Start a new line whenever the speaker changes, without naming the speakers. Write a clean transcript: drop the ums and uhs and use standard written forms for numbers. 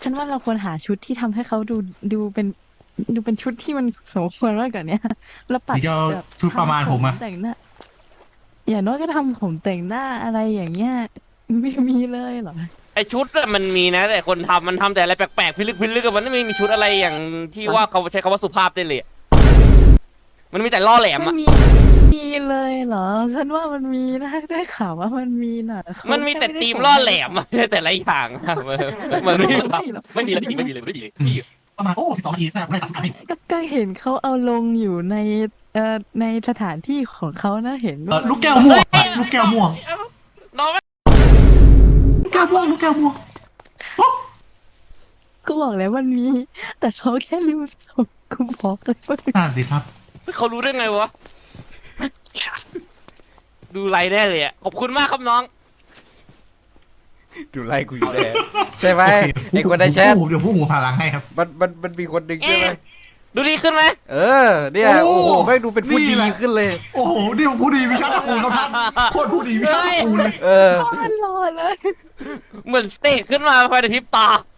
ฉันว่าเราควรหาชุดที่ทำให้เขาดูเป็นชุดที่มันสมควรมากกว่านี้แล้วปัด
หรือจะเอา
แบบ
ชุดประมาณ
ทำผม
ผมอะ
แต่งหน้าอย่างน้อยก็ทำผมแต่งหน้าอะไรอย่างเงี้ยไม่มีเลยเหรอ
ไอชุดอะมันมีนะแต่คนทำมันทำแต่อะไรแปลกๆพิลึกพิลึกอะมันไม่มีชุดอะไรอย่างที่ว่าเขาใช้คำว่าสุภาพได้เลยอะมันมีแต่ล่อแหลม
ไม่
อะ
มีเลยเหรอฉันว่ามันมีนะได้ข่าวว่ามันมีน่ะเขา
มันมี
แค่ไม่ได้
แต่ธีม
ส่งให้
ล่อแหลมอะแต่ละอย่างอะมันไม่มี
ไม่หรอก
ไม่มีเลยจริงๆไม่มีเลยไม่มีเลยพี่
ประมาณโอ้12 นาทีนะไม่ได้ตัดสินใจ
ก็เห็นเขาเอาลงอยู่ในสถานที่ของเขานะเห็นว่ามัน
ลูกแก้วม่วงอะลูกแก้วม่วง
น้อง
ลูกแก้วม่วงลูกแก้วม่วง
ก็บอกแล้วมันมีแต่เขาแค่ลืมส่งกูบอกเลยว่า
นั่นสิครับ
เขารู้ได้ไงวะดูไลน์แน่เลยอะขอบคุณมากครับน้องดูไลน์กูอยู่แน่
ใช่ไหม
โอเค
ไอ้คนในแชท
เดี๋ยวผู้หูพลังให้ครับ
มันมีคนหนึ่งใช่ไหม
ดูดีขึ้นไหม
เออเนี่ย
โอ้
โอ้โหแม่งดูเป็นผู้
นี่
ดี
แหละ
ขึ้นเลย
โอ้โหนี่ผู้ดีวิชาตระกูลครับท่านโคตรผู้ดีวิชาตระกูลเลย
เออ
มันรอเลย
เหมือนเตะขึ้นมาภายในพริบตา